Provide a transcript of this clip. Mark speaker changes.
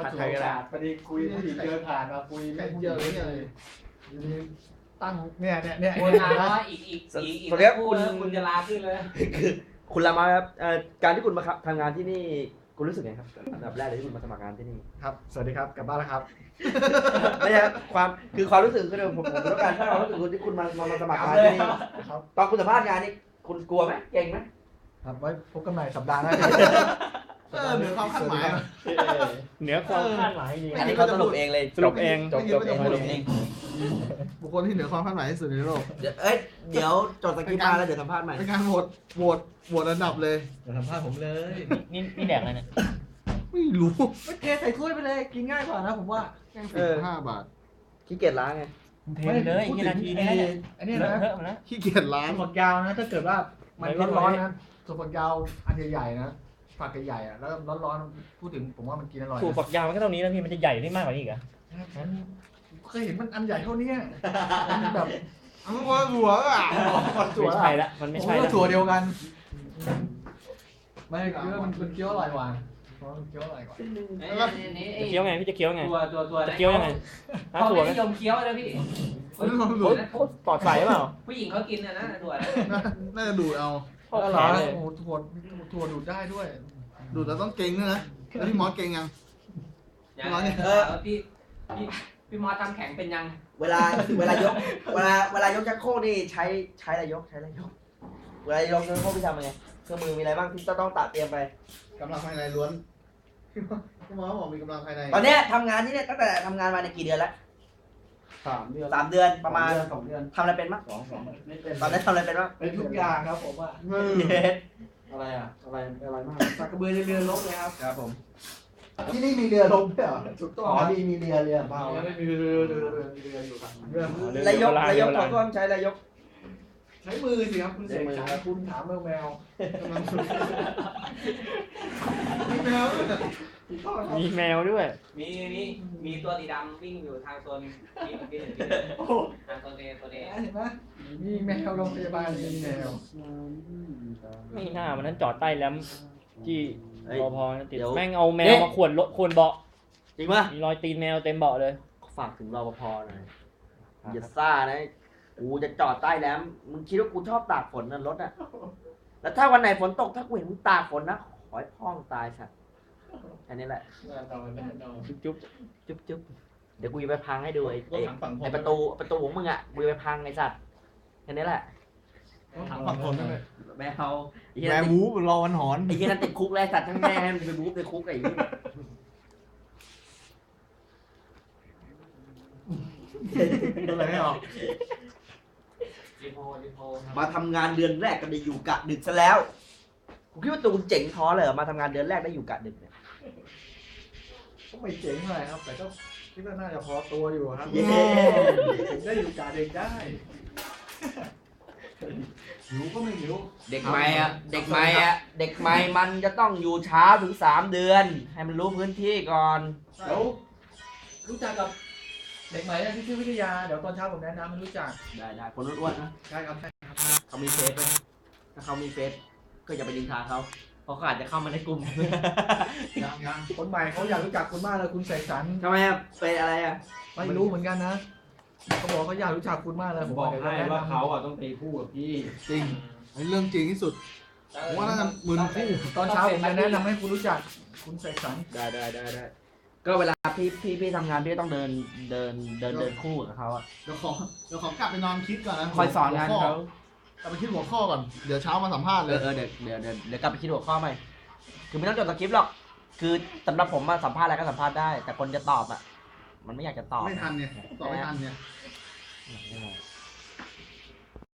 Speaker 1: ผัดไทยก็ได้
Speaker 2: พอดีคุยผู้หญิงเดินผ่านมาคุยไม่เยอะเลยตั้งเนี่ย
Speaker 3: คนงานว่าอีกคุณจะลาขึ้นเลย
Speaker 1: คือคุณรามาครับการที่คุณมาทำงานที่นี่คุณรู้สึกไงครับอันดับแรกเลยที่คุณมาสมัครงานที่นี่
Speaker 2: ครับสวัสดีครับกลับบ้านแล้วครับ
Speaker 1: ไม่ใช่ความรู้สึกคือผมต้องการถ้าเรารู้สึกคุณที่คุณมาสมัครงานที่นี่
Speaker 2: ครับ
Speaker 1: ตอนคุณสัมภาษณ์งานนี่คุณกลัวไหมเก่งไหม
Speaker 2: ครับไว้พบกันใหม่สัปดาห์หน้า
Speaker 4: เหนือความคาดหมาย
Speaker 5: เหนือความคาดหมายจริง
Speaker 1: อันนี้เขาสรุปเองเลย
Speaker 5: สรุปเอง
Speaker 1: จบเองสรุปเอง
Speaker 4: บุคคลที่เหนือความคาดหมายที่สุดในโลก
Speaker 1: เดี๋ยวจดสคริปต์มาแล้วเดี๋ยวสัมภาษณ์ใหม่
Speaker 4: เป็นการโหวตอันดับเลย
Speaker 2: อย่าสัมภาษณ์ผมเลย
Speaker 5: นี่แดกอะไรเนี่ย
Speaker 4: ไม่รู้
Speaker 2: ไม่เทใส่ถ้วยไปเลยกินง่ายกว่านะผมว่า
Speaker 4: 15 บาท
Speaker 1: ขี้เกียจล้างไง
Speaker 5: เทไปเลยกี่นาทีเนี่ย
Speaker 2: อันนี้
Speaker 5: เล
Speaker 2: นะ
Speaker 5: อะเทอะหมดแล้ว
Speaker 4: ขี้เกียจล้าง
Speaker 2: ถั่วฝักยาวนะถ้าเกิดว่ามันร้อนๆนะถั่วฝักยาวอันใหญ่ๆนะฝักใหญ่ๆอ่ะแล้วร้อนๆพูดถึงผมว่ามันกินอร่อย
Speaker 5: ถั่วฝักยาวมันก็เท่านี้แล้วพี่มันจะใหญ่ได้มากกว่านี้อีกเหรอ
Speaker 2: เคยเห็นมันอันใหญ่เท่านี้มันแบบ
Speaker 4: อันนั้นคนหัวอ่ะ
Speaker 5: ไม่ใช่ละมันไม่ใช่ละ
Speaker 2: ถั่วเดียวกันไม่คือมันเคี้ยวอร่อยกว่าเพราะมันเคี้ยวอร่อยกว่า
Speaker 5: จะเคี้ยวไงพี่จะเคี้ยวไง
Speaker 3: ตัว
Speaker 5: จะเคี้ยวยังไง
Speaker 3: เขา
Speaker 5: ถั่ว
Speaker 3: ไม่
Speaker 5: ไหม
Speaker 3: นิยมเคี้ยวนะพี่
Speaker 4: อันนั้นคนหัว
Speaker 5: ปลอดใสเปล่า
Speaker 3: ผู้หญิงเขากินนะถั่วนะ
Speaker 4: น่าจะดูดเอา
Speaker 5: เข้า
Speaker 2: แล้ว
Speaker 5: แข
Speaker 2: เหรอน
Speaker 5: เลย
Speaker 2: โอ้โหถั่วดูดได้ด้วย
Speaker 4: ดูดแล้วต้องเก่งด้วยนะแล้วพี่มอสเก่งยัง
Speaker 3: พี่มอสทำแข็งเป็นยัง
Speaker 1: เวลายกเวลายกชักโครกนี่ใช้อะไรยกเวลายกชักโครกพี่ทำยังไงเครื่องมือมีอะไรบ้างที่ต้องตัดเตรียมไป
Speaker 4: กำลังภายในล้วนพี่มอสบอกมีกำลังภายใน
Speaker 1: ตอนเนี้ยทำงานที่เนี่ยตั้งแต่ทำงานมาในกี่เดือนแล้ว
Speaker 2: 3 เดือน
Speaker 1: 3 เดือนประมาณ
Speaker 2: 2 เดือน
Speaker 1: ทำอะไรเป็นบ้าง
Speaker 2: 2ไม่เป็น
Speaker 1: ตอนนี้ทำอะไรเป็นบ้าง
Speaker 2: เป็นทุกอย่างครับผมว่า
Speaker 1: เย็ด
Speaker 2: อะไรมากสักกระเบือเรือลบเลยครับ
Speaker 1: ครับผม
Speaker 2: ที่นี่มีเรือลบด้วยเหรอถูกต้องมีเรือเปล่า
Speaker 4: ไม่
Speaker 2: ไม่
Speaker 4: มี
Speaker 2: มี
Speaker 4: เรื
Speaker 2: เรืออยู่ครับเรือ
Speaker 1: ระยกเขาก็ต้องใช้ระยก
Speaker 2: ใช้มือสิครับคุณเสกสรรคุณถามแมว
Speaker 4: กำลังมีแมวด้วย
Speaker 2: ถูกต้องครับ
Speaker 5: มีแมวด้วย
Speaker 3: มีตัวสีดำวิ่งอยู่ทางโซนที่ทางโซนเดย์ตัวเดย์
Speaker 2: เห็นไหมมีแมวโรงพยาบาลมีแมว
Speaker 5: ไม่น่าวันนั้นจอดใต้แรมที่
Speaker 1: เฮ้ย
Speaker 5: รอพอนะติด
Speaker 1: เดี๋ยว
Speaker 5: แม่งเอาแมวมาขวนเบาะ
Speaker 1: จริงป่ะ
Speaker 5: มีรอยตีนแมวเต็มเบาะเลย
Speaker 1: ฝากถึงรปภหน่อยอย่าซ่านะกูจะจอดใต้แหลมมึงคิดว่ากูชอบตากฝนนั่นรถอ่ะแล้วถ้าวันไหนฝนตกถ้ากูเห็นมึงตากฝนนะขอให้พ่องตายสัตว์แค่นี้แหละ
Speaker 5: จุ๊บ
Speaker 1: จุ๊บเดี๋ยวกูจะไปพังให้ดูไอ้ประตูของมึงอ่ะกูจะไปพังไอ้สัตว์แค่นี้แหละ
Speaker 4: ถังฝั่งคนนั่นเลย
Speaker 1: แมวไอ้เหี้
Speaker 4: แม
Speaker 1: ย
Speaker 4: ววูบรอวันหอน
Speaker 1: ไอ้เหี้ยนั่นติดคุกแล้วไอ้สัตว์ทั้งแม่ให้มันไปบู๊ในคุกไอ้เหี้ย
Speaker 4: อะไรไม่ออก
Speaker 3: รีโพ
Speaker 1: มาทำงานเดือนแรกก็ได้อยู่กะดึกซะแล้วกูคิดว่าตูนเจ๋งท้อเลยเหรอมาทำงานเดือนแรกได้อยู่กะดึกเนี่ย
Speaker 2: ก็ไม่เจ๋งเท่าไหร่ครับ แต่ก็คิดว่าน่าจะพอตัวอยู่ครับ
Speaker 1: เย้
Speaker 2: ได้อยู่กาเด็กได้หิวก็ไม่หิว
Speaker 1: เด็กใหม่มันจะต้องอยู่เช้าถึง3 เดือน ให้มันรู้พื้นที่ก่อน
Speaker 2: แล้วรู้จักกับเด็กใหม่ที่ชื่อวิทยาเดี๋ยวตอนเช้าผมแนะนำให้รู้จัก
Speaker 1: ได้คนอ้วนๆนะ
Speaker 2: ใช่ครับ
Speaker 1: เขามีเฟซไหมถ้าเขามีเฟซก็อย่าไปดินทาเขาเพราะเขาอาจจะเข้ามาในกลุ่ม
Speaker 2: ยังคนใหม่เขาอยากรู้จักคุณมากเลยคุณเสกสรร
Speaker 1: ทำไมอะเป็นอะไรอะ
Speaker 2: ไม่รู้เหมือนกันนะเขาบอกเขาอยากรู้จักคุณมากเลย
Speaker 6: ผมบอกให้ว่าเขาอ่ะต้องตีคู่กับพี่
Speaker 4: จริงอันนี้เรื่องจริงที่สุดผมว่าน่าจะหมื่นคู่
Speaker 2: ตอนเช้าผมจะแนะนำให้คุณรู้จักคุณเสกสรร
Speaker 1: ได้ก็เวลาพี่ทำงานพี่ต้องเดินคู่กับเขาอะ
Speaker 4: เดี๋ยวขอกลับไปนอนคิดก่อนนะ
Speaker 1: คอยสอนงานเขา
Speaker 4: กลับไปคิดหัวข้อก่อนเดี๋ยวเช้ามาสัมภาษณ์เลย
Speaker 1: เดี๋ยวกลับไปคิดหัวข้อใหม่คือไม่ต้องจดสคริปต์หรอกคือสำหรับผมมาสัมภาษณ์อะไรก็สัมภาษณ์ได้ แต่คนจะตอบอะมันไม่อยากจะตอบ
Speaker 4: ไม่ทันเนี่ยตอบไม่ทันเนี่ย
Speaker 1: ไม่